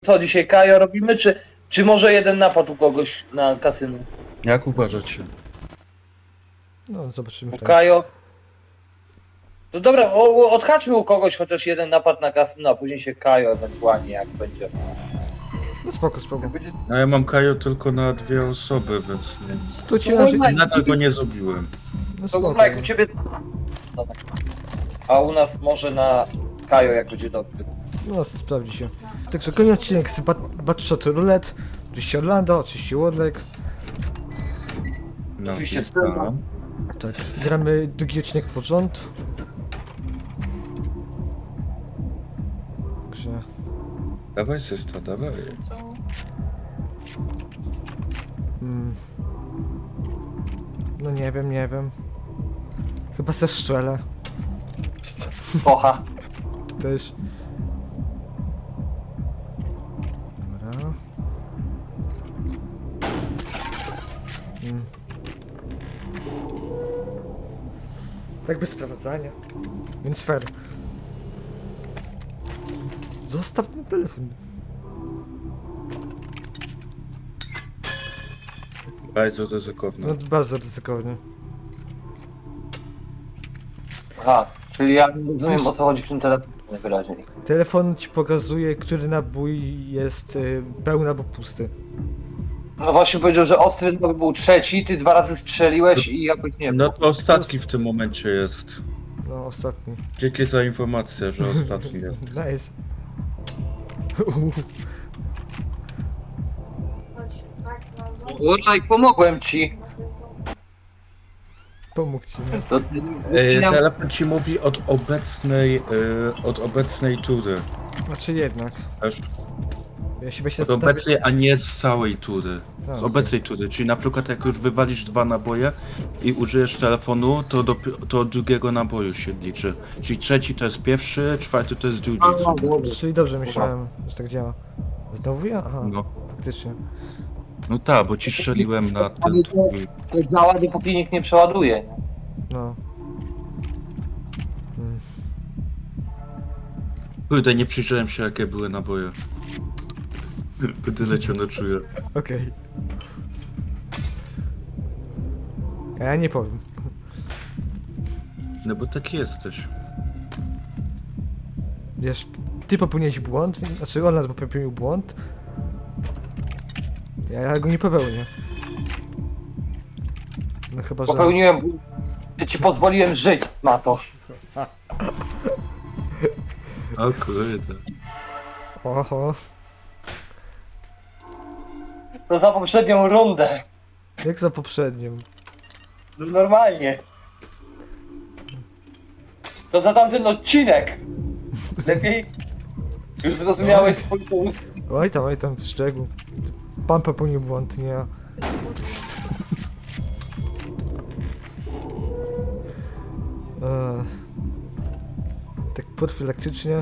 Co dzisiaj, Kajo robimy, czy może jeden napad u kogoś na kasynu? Jak uważacie? No, zobaczymy. U Tak. Kajo? To dobra, odhaczmy u kogoś chociaż jeden napad na kasyno, a później się Kajo ewentualnie jak będzie. No spoko, spoko. No ja mam Kajo tylko na 2 osoby, więc nie. To ci No, na... Nadal go nie zrobiłem. No To spoko. Górlak u ciebie... Dobra. A u nas może na Kajo jak będzie dobry. No, sprawdzi się. Także kolejny odcinek z Batshot Roulette. Oczywiście Orlando, oczywiście Warlock. No, Oczywiście witam. Tak, gramy drugi odcinek pod rząd. Także... Dawaj sestra, dawaj. No nie wiem. Chyba se strzelę. Kocha. Też. Dobra. Tak bez sprowadzania. Więc fair. Zostaw ten telefon. Bardzo ryzykowne. No bardzo ryzykownie. Aha, czyli ja nie rozumiem Wiesz- o co chodzi w tym telefonie najwyraźniej. Telefon ci pokazuje, który nabój jest pełny albo pusty. No właśnie powiedział, że ostry nabój był trzeci, ty 2 razy strzeliłeś i jakoś nie No wiem. to ostatni w tym momencie jest. No, ostatni. Dzięki za informację, że ostatni jest. Nice. Górlak, pomogłem ci. Pomógł ci, nie? To Telefon ci mówi od obecnej tury. Znaczy jednak. Wiesz? Ja się właśnie Od obecnej, a nie z całej tury. A, Z okej. obecnej tury, czyli na przykład jak już wywalisz 2 naboje i użyjesz telefonu, to od drugiego naboju się liczy. Czyli trzeci to jest pierwszy, czwarty to jest drugi. Czyli dobrze myślałem, że tak działa. Znowu ja? Aha, No, faktycznie. no tak, bo ci strzeliłem na ten twój. to działa, dopóki nikt nie przeładuje. Nie? No. Kurde, nie przyjrzałem się jakie były naboje. Będę leciał na czuję. Okej. Ja nie powiem. No bo taki jesteś. Wiesz, ty popełniłeś błąd, znaczy on nas popełnił błąd. Ja go nie popełnię. No chyba, że... Popełniłem błąd. Ja ci pozwoliłem żyć, Mato. O kurde. Oho. To za poprzednią rundę. Jak za poprzednią. No normalnie. To za tamten odcinek. Lepiej? Już zrozumiałeś swój punkt. Oj tam, szczegół. Pan popełnił błąd, nie ja. Tak profilaktycznie.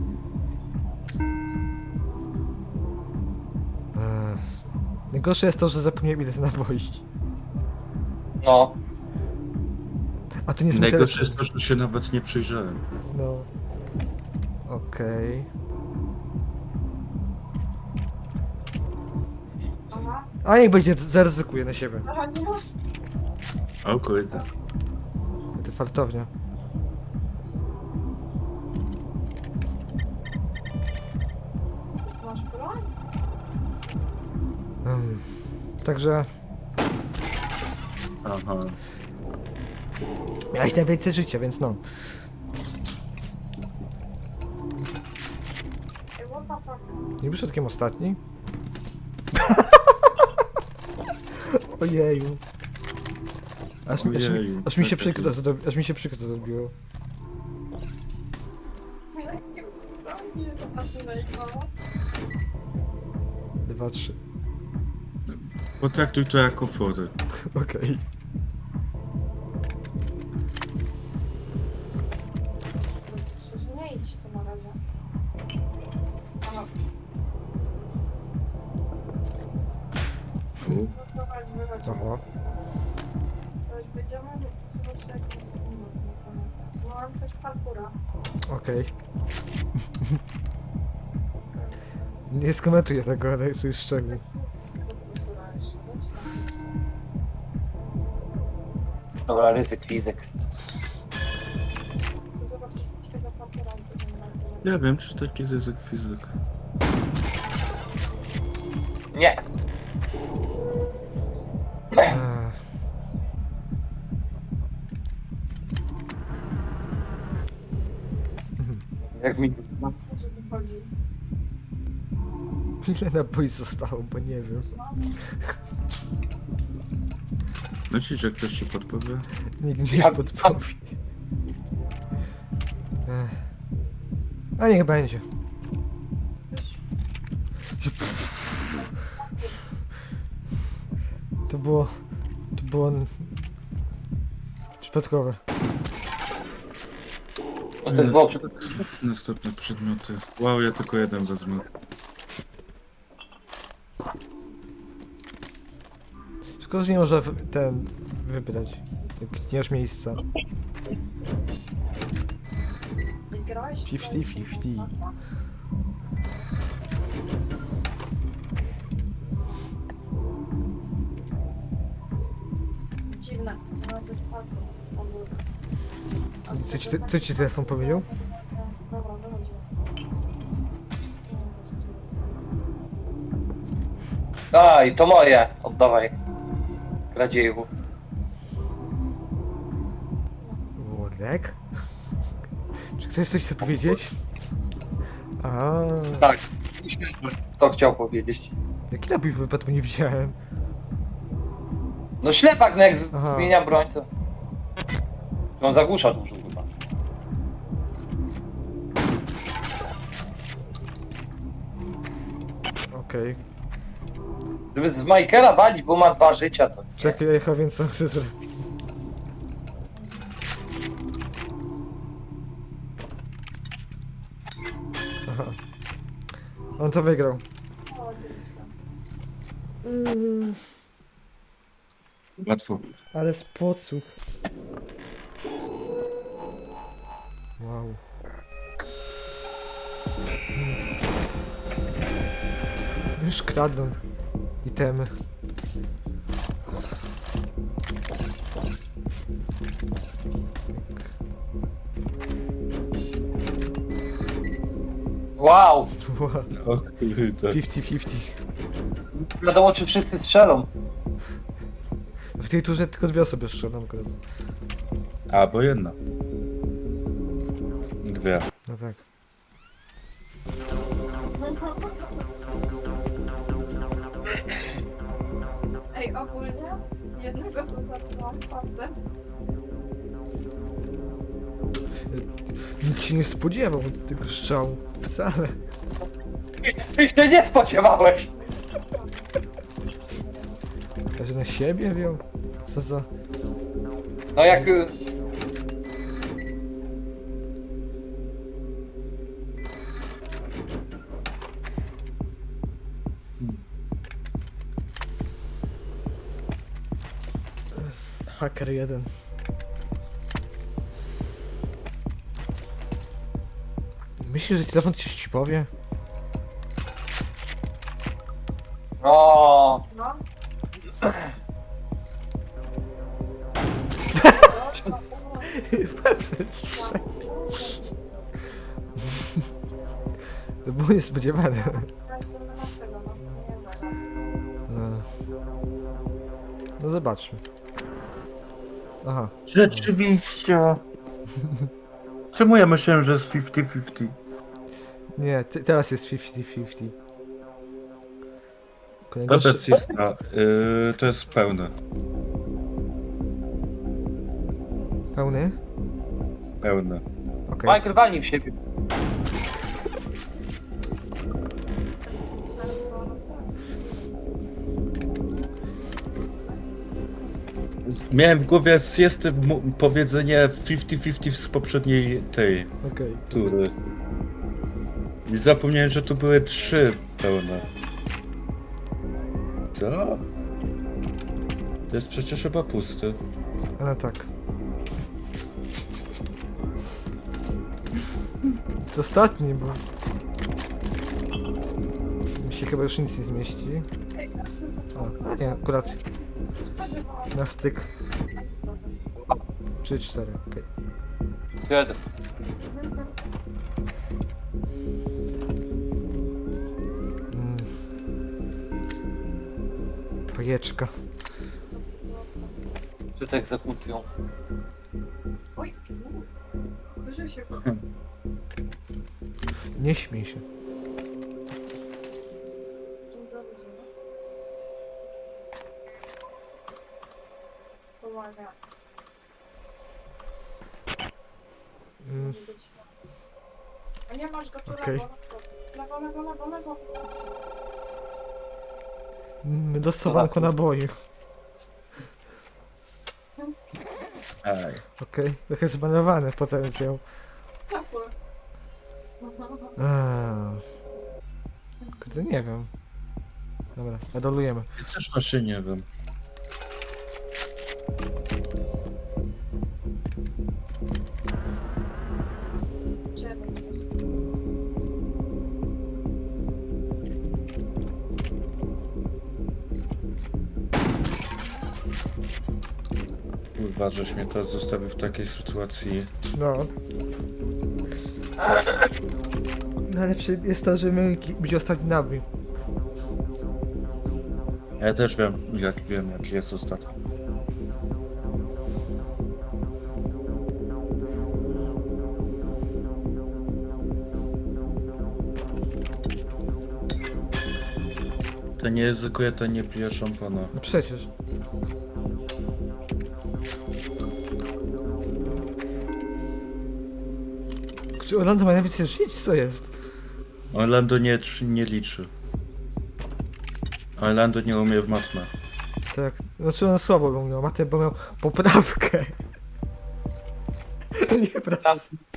Najgorsze jest to, że zapomniałem ile naboi. No. A to nie jest mój Najgorsze telefon. jest to, że się nawet nie przyjrzałem. No. Okej. A niech będzie, zaryzykuję na siebie. O kurde. To fartownia. Masz broń? Także Aha. miałeś najwięcej życia, więc no. Ej, what the fuck? Nie przypadkiem ostatni? Ojeju. Ojeju, Aż mi się tak, przykro aż mi się przykro zrobiło. Jakie broni? A ty najgorzej. 2, 3. Potraktuj to jako fory. Okej. Myślę, że nie idź tu na razie. Aha. No to chodź, wychodź. Aha. Chodź, będziemy zobaczyć jak to jest. Mam też parkura. Okej. Nie skomentuję tego, ale to jest szczegół. Dobra, ryzyk, fizyk. Chcę zobaczyć tego papieru. Ja wiem, czy taki ryzyk fizyk. Nie. Jak mi... O co tu chodzi? Ile naboi zostało, bo nie wiem. Myślisz, że ktoś ci podpowie? Nikt mi nie Ja- podpowie. A niech będzie. To było przypadkowe. To jest było Następne przedmioty. Wow, ja tylko jeden wezmę. Szkoda, że nie można ten wybrać. Jak nie masz miejsca. Wygrałeś? 50-50. Dziwne. Miało być parkour. Co ci telefon powiedział? Dobra, wychodzimy. Daj, to moje. Oddawaj. Kradzieju. Włodek? Czy chcesz coś powiedzieć? A, Tak. To chciał powiedzieć. jaki nabój w wypadku nie widziałem. No ślepak, no jak Aha. zmienia broń, to... On zagłusza dużo chyba. Okej. Żeby z Michaela walić, bo ma 2 życia, to... Czekaj, ja więc co chcę zrobić. Aha. On to wygrał. Łatwo. Ale z podsłuch. Wow. Już kradną itemy. Wow! Wow. O kurde. 50-50. Wiadomo, czy wszyscy strzelą. W tej turze tylko 2 osoby strzelam akurat. A, bo jedna. 2. No tak. Ej, ogólnie jednego to zabrałam faktem. Nikt się nie spodziewał tego strzału. Wcale. Ty się nie spodziewałeś! Każdy na siebie wziął. Co za... No jak... Hacker 1. Myślisz, że telefon ci powie? O, No. To było niespodziewane. No. No zobaczmy. Aha. Rzeczywiście. Czemu ja myślałem, że jest 50-50? Nie, teraz jest 50-50. Kolejnego To jest jest to jest pełne. pełny? Pełne. Okej. Michael walnij w siebie. Miałem w głowie jest powiedzenie 50-50 z poprzedniej tej Okej. tury. I zapomniałem, że tu były 3 pełne. Co? To jest przecież chyba pusty. No tak. To ostatni był. chyba już nic nie zmieści. Ej, aż się A nie, akurat spodziewałam się. na styk 3, 4, okej. Kiedy? Mm. Pajeczka. Przed egzekucją. Oj, że się Nie śmiej się. Dzień dobry, dzień dobry. Pomaga. Mm. Być. A nie masz go tu Okej. lewo, lewo, lewo, lewo. Dostowanko naboi. Ej. Okej, trochę zbanowany potencjał. Ciepły. Kurde, nie wiem. Dobra, redolujemy. Ja też właśnie nie wiem. Siedem plus. Kurwa, żeś mnie teraz zostawił w takiej sytuacji. No. Najlepsze jest to, że my być ostatni nabój. Ja też wiem, jaki jest ostatni. To nie ryzykuje, to nie pije szampana. No przecież. Czy Orlando ma najwięcej żyć? Co jest? Orlando nie liczy. Orlando nie umie w matmę. Tak, znaczy on słabo go miał, Matej, bo miał poprawkę. Nieprawda.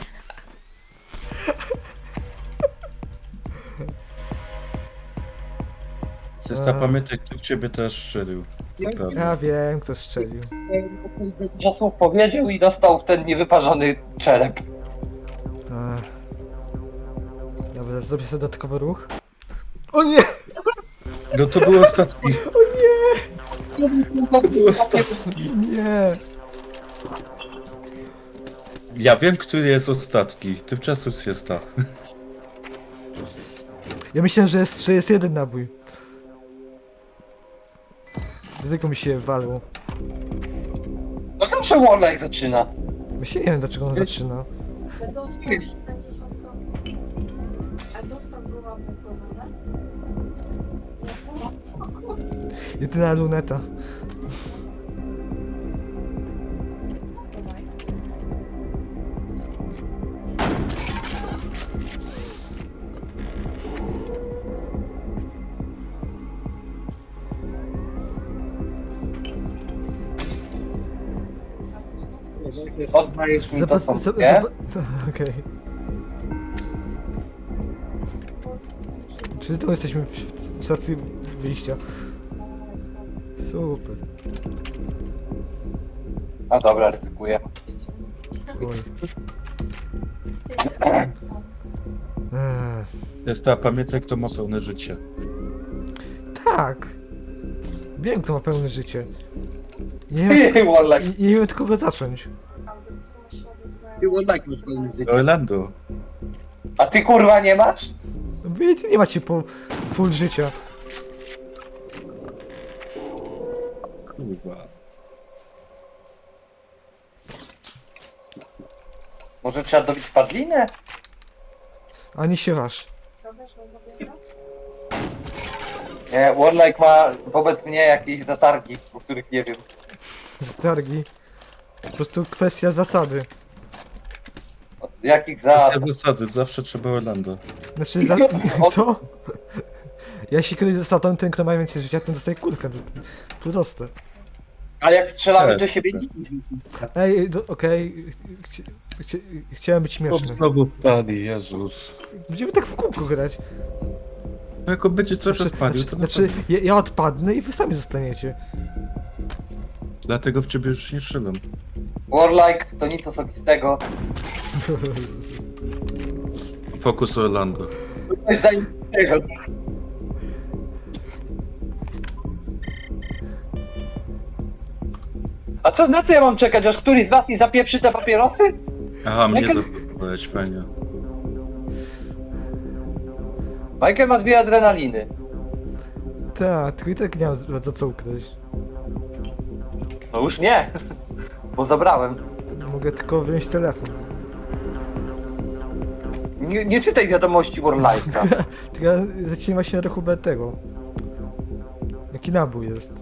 Systa, pamiętaj, kto w ciebie też strzelił. Pewnie. Ja wiem, kto strzelił. Dużo słów powiedział i dostał w ten niewyparzony czerep. Ech. Dobra, zrobię sobie dodatkowy ruch. O nie! No to był ostatni. To był ostatni. Nie! Ja wiem, który jest ostatni. Tymczasem jest ta. Ja myślałem, że jest jeden nabój. Dlatego mi się walło. No zawsze Warlock zaczyna. Myślę, nie wiem, dlaczego on zaczyna. Dostał 70 kropek. A dostał go ładny prawda? Jest Jedyna luneta. Dawaj. Oddajesz mi to są, nie? Okej. Czy to jesteśmy w stacji wyjścia? Super. A dobra, ryzykuję. Oj. Systa, pamiętaj, kto ma pełne życie. Tak. Wiem, kto ma pełne życie. Nie wiem, Ty, Warlock. nie wiem od kogo zacząć. Ty, Warlock masz pełne życie. Orlando. A ty kurwa nie masz? No wy nie macie full życia. Kurwa. Może trzeba dobić padlinę? Ani się waż. Nie, Warlock ma wobec mnie jakieś zatargi, o których nie wiem. Targi. Po prostu kwestia zasady. Od jakich Kwestia za... zasady, zawsze trzeba Orlando. Znaczy co? Ja jeśli kiedyś zasadą ten, kto ma więcej życia, ten dostaje kulkę. Proste. Ale jak strzelamy Tak, do siebie tak. nic. Ej, okej. Chciałem być O, śmieszny. znowu pali, Jezus. Będziemy tak w kółko grać. No jak on będzie cały czas palił, to Znaczy ja odpadnę i wy sami zostaniecie. dlatego w ciebie już nie strzelam. Warlock to nic osobistego. Fokus Orlando. To jest zajebistego. A co, na co ja mam czekać, aż któryś z was mi zapieprzy te papierosy? Aha, mnie Jaka- zapytałeś, fajnie. Michael ma 2 adrenaliny. Tak, tylko i tak nie mam za co ukraść. No już nie, bo zabrałem. Mogę tylko wziąć telefon. Nie czytaj wiadomości Warlike'a. Tylko ja zatrzymam się na rachubę tego. Jaki nabój jest?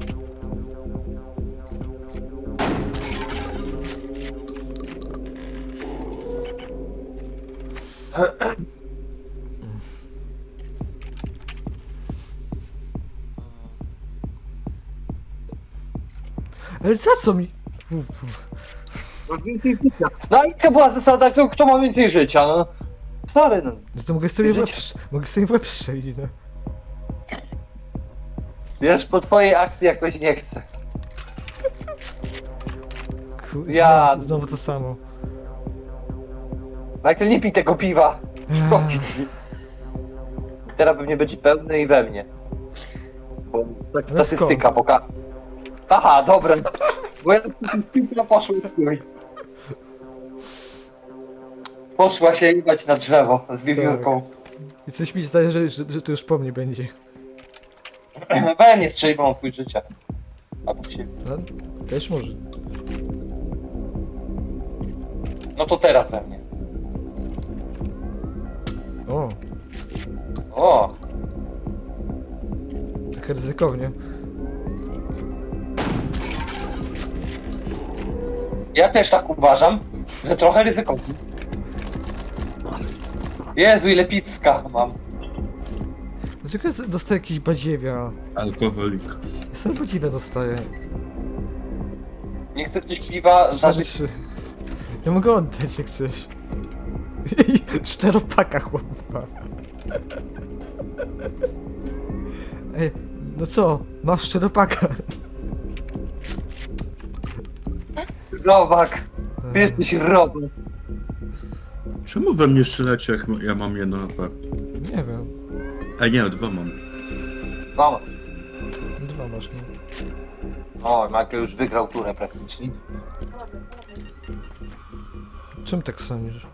Ale za co mi? No i jaka była zasada, kto ma więcej życia, no. Sorry, no. No to mogę sobie w łeb, Życie. mogę sobie w łeb strzelić, no. Wiesz, po twojej akcji jakoś nie chcę. Ja... Ja- Znowu to samo. Michael, nie pij tego piwa. Szkodzi ci. Teraz pewnie będzie pełny i we mnie. Bo tak No statystyka pokaże. Aha, dobra. Bo ja piłka poszła w chuj. Poszła się jebać na drzewo z wiewiórką. I coś mi zdaje, że to już po mnie będzie. We mnie strzeli, bo mam chuj życia. A po siebie. No, też może. No to teraz we mnie. O, O, trochę ryzykownie. ja też tak uważam, że trochę ryzykownie. Jezu, ile picka mam. Dlaczego ja dostaję jakiś badziewia? Alkoholik. Ja sobie badziewia dostaję. Nie chce ktoś piwa za życie. Trzy. Ja mogę oddać jak coś. Czteropaka chłopa. Ej, no co? Masz czteropaka. Robak. Ty jesteś robak. Czemu we mnie strzelacie, jak ja mam jedno HP? Nie wiem. A nie, 2 mam. Mama. Dwa masz, no. O, Michael już wygrał turę praktycznie. Czym tak sądzisz?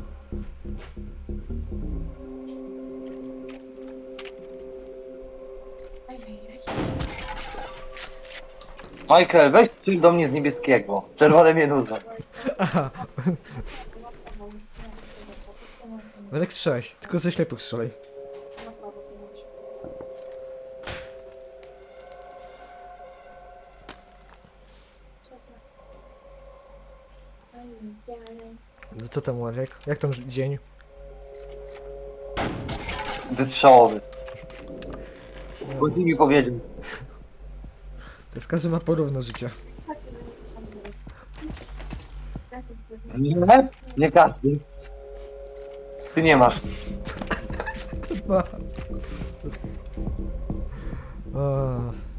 Michael, weź coś do mnie z niebieskiego. Czerwone mnie nudzą. Aha. Elek strzelaj, tylko ze ślepych strzelaj. No co tam, Marek? Jak tam dzień? Wystrzałowy. Bo ty mi powiedział. To jest każdy ma porówno życia. Nie? Nie każdy. Ty nie masz. Ma. A.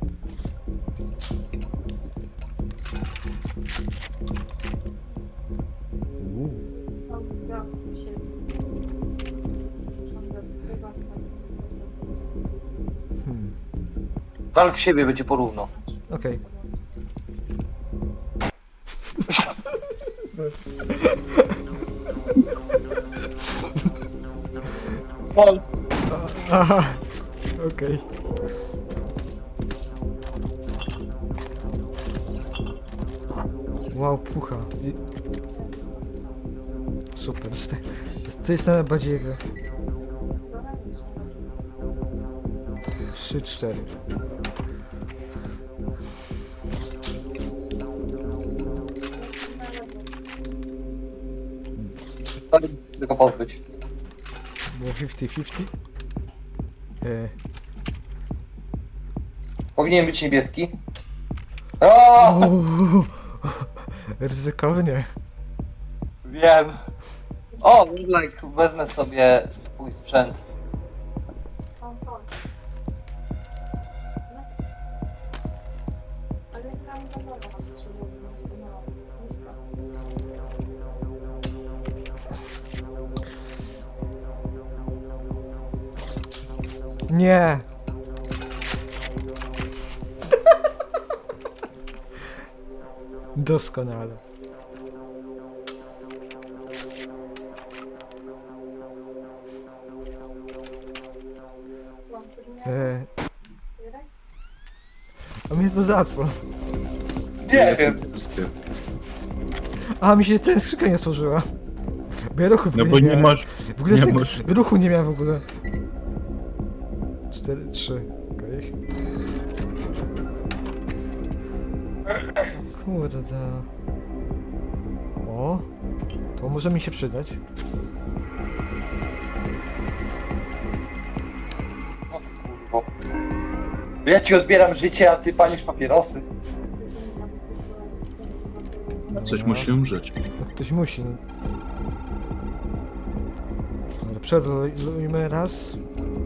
Wal w siebie, będzie porówno. Okej. Aha. Okej. Wow, pucha. Super. To jest na badziewie. 3-4. Sorry, tylko pozbyć. Było 50-50. Powinien być niebieski. O! Ryzykownie. Wiem. O, like, wezmę sobie swój sprzęt. Ale tam to nowa nas przyjmuje, nisko. Nie! Doskonale. Co mam tu nie? Jurek? A mnie to za co? Nie wiem. A, mi się ten skrzynka nie otworzyła. Bo ja ruchu w No ogóle bo nie miałem. masz... W ogóle nie tego masz- ruchu nie miałem w ogóle. 4, 3, okej. Kurde. O, to może mi się przydać. No ty kurwo. Ja ci odbieram życie, a ty palisz papierosy. Coś musi umrzeć. No, ktoś musi. Dobra, przerolujmy raz,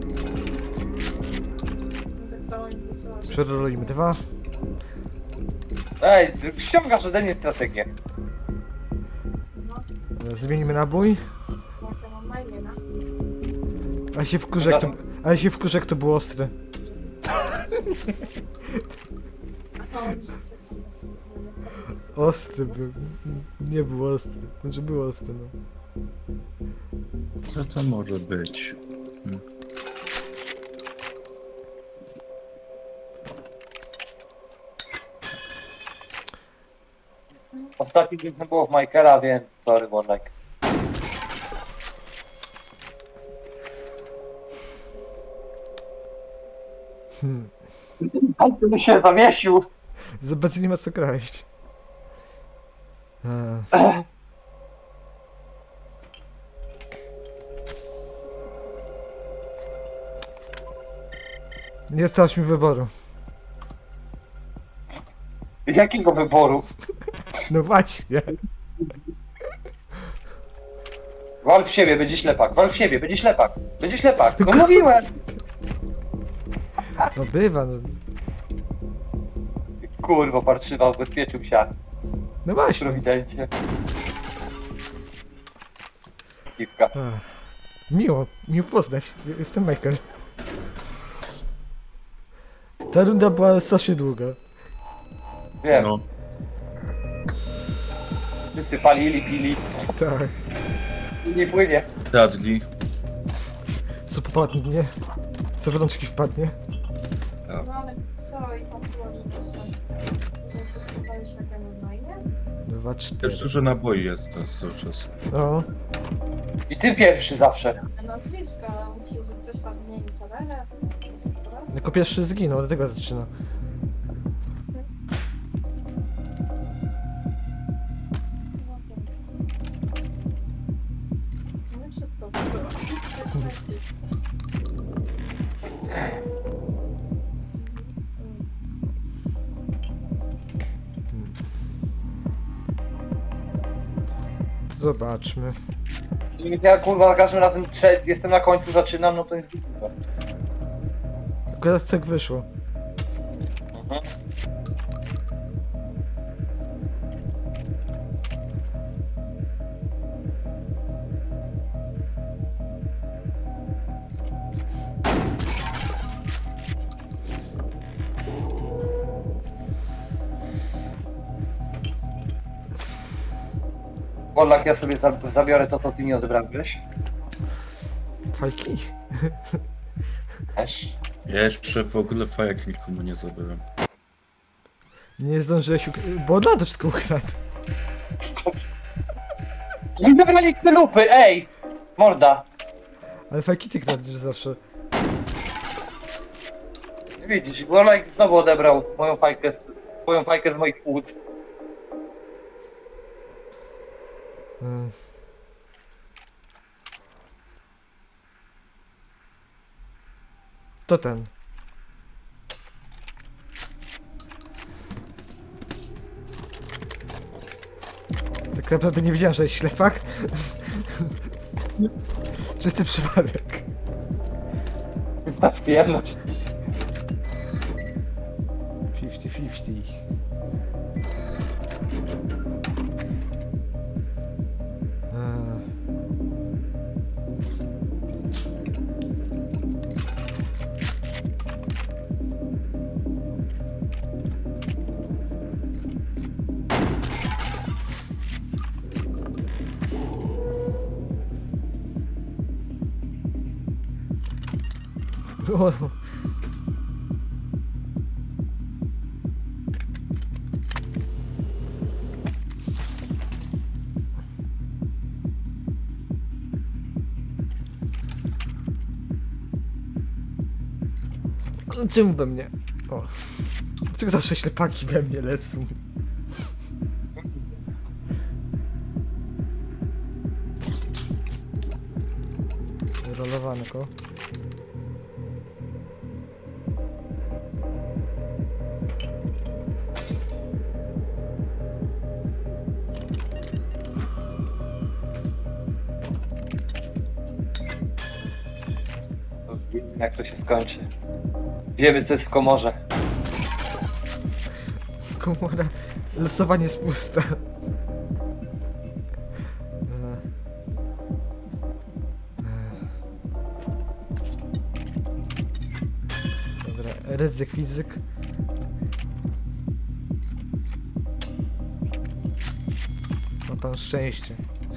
Tak samo mi wysyła, że przerolujmy dwa. Ej, ty ściągasz ode mnie strategię. no, Dobra, zmienimy nabój. jak ja mam na imię, no. A się wkurzę, jak to, ale się wkurzę, jak to było ostre. A on się Ostry był. Nie był ostry. Znaczy był ostry, no. Co to może być? Ostatni dzień nie było w Michaela, więc sorry, Warlock. Ale ty się zawiesił. Z obecnie nie ma co kraść. A. Nie stałeś mi wyboru. Jakiego wyboru? No właśnie. Wal w siebie, będzie ślepak. Wal w siebie, będzie ślepak. Będzie ślepak. No mówiłem. No bywa, no. Kurwa, parszywa, ubezpieczył się. No właśnie. Prowidencie. Dziwka. A. Miło poznać. Jestem Michael. Ta runda była strasznie długa. Wiem. No. Wszyscy palili, pili. Tak. Nie płynie. Dudley. Co popadnie? Co w rączki wpadnie? No ale co i tam było, że to są, że się spotkałeś jak ja mam na imię? 2, 4. Też dużo naboi jest teraz cały czas. No. I ty pierwszy zawsze. Nazwiska, myślę, że coś tam mniej talerze. Coraz? Jako pierwszy zginął, dlatego zaczyna. No to... No wszystko wysyła. Zobaczmy. I ja kurwa za każdym razem jestem na końcu, zaczynam, no to jest dziwne. Akurat tak wyszło. Mhm. Polak, ja sobie zabiorę to, co ty mi odebrałeś. Fajki? Też. Ja jeszcze w ogóle fajek nikomu nie zabrałem. Nie zdążyłeś bo od razu wszystko ukradł. Nie wybrali lupy, ej! Morda. Ale fajki ty kradniesz zawsze. Widzisz, Polak znowu odebrał moją fajkę z moich płuc. Mm. To ten. Tak naprawdę nie wiedziałem, że jest ślepak. Czysty przypadek. Na przyjemność. 50-50. O, no czemu we mnie? O. Dlaczego zawsze ślepaki we mnie lecą? Rolowanko. Wiemy, jak to się skończy. Wiemy, co jest w komorze. Komora. Losowanie jest pusta. Dobra, ryzyk, fizyk. Ma pan szczęście.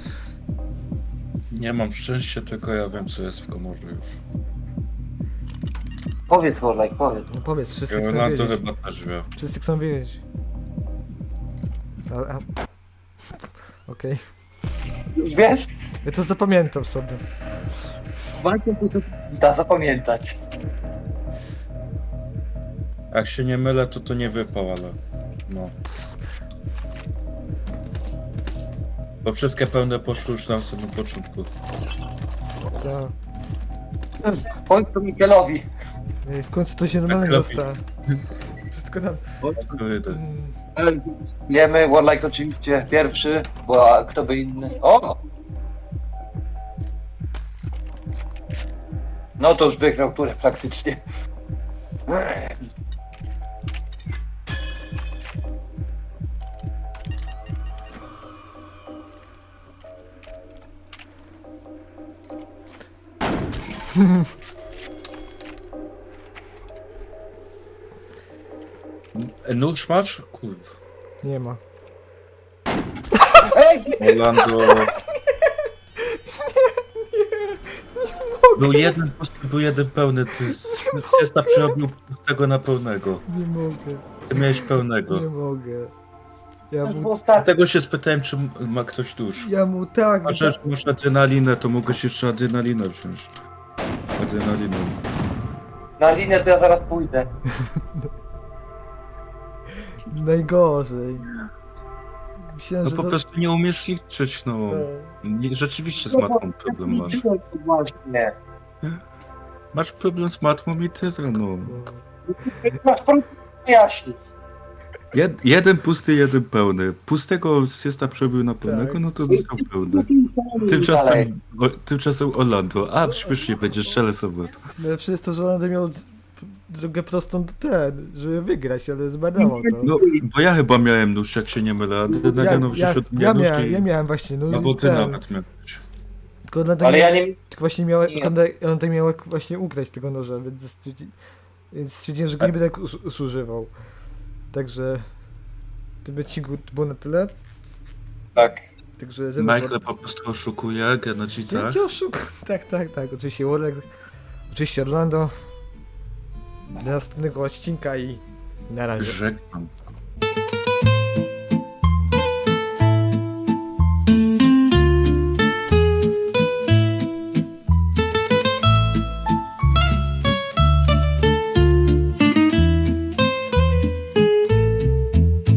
Nie mam szczęścia, tylko ja wiem, co jest w komorze już. Powiedz, Warlike, powiedz. No powiedz, wszyscy chcą Rolando wiedzieć. chyba też wie. Wszyscy chcą wiedzieć. A... Okej. Wiesz? Ja to zapamiętam sobie. Da zapamiętać. Jak się nie mylę, to nie wypał, ale... No. Bo wszystkie pełne poszły już na samym początku. To... Powiedz to Mikelowi. W końcu to się normalnie lepiej. zostało. Wszystko nam... Kurde. Wiemy, Warlike oczywiście pierwszy, bo a kto by inny. O! No to już wygrał turę praktycznie. Nóż masz? Kurwa. Nie ma. Ej! Orlando... Był jeden pusty, był jeden pełny. Ty siesta przerobił pustego na pełnego. Nie mogę. Ty miałeś pełnego. Nie mogę. Ja To już mu... było ostatnie. Dlatego się spytałem, czy ma ktoś nóż. Ja mu tak... A że masz adrenalinę, to mogłeś jeszcze adrenalinę wziąć. Adrenalinę. Na linię to ja zaraz pójdę. Najgorzej. Myślałem, No że po to... prostu nie umiesz liczyć, no. Nie, rzeczywiście z matmą problem masz. Właśnie. Masz problem z matmą i tyle, no. Masz problem jaśni. Jeden pusty, jeden pełny. Pustego siesta przebił na pełnego, Tak. no to został pełny. Tymczasem Orlando. A, śmiesznie będzie, strzelę sobie. Najlepsze jest to, że on będę miał drogę prostą do ten, żeby wygrać, ale zbadało to. No, bo ja chyba miałem nóż, jak się nie mylę. Adrenalina wziął od mnie nóż i... ja miałem właśnie, no No bo ty ten, nawet miałeś. tylko on Ale ja nie... właśnie miał, Nie. on tak miał jak właśnie ukraść tego noża, więc stwierdziłem, że go nie będę używał. Także tym odcinku to było na tyle. Tak. Także Michael po prostu oszukuje, genocida. Jaki oszuk? Tak, oczywiście Warlock, oczywiście Orlando. Do następnego odcinka i na razie. Żegnam.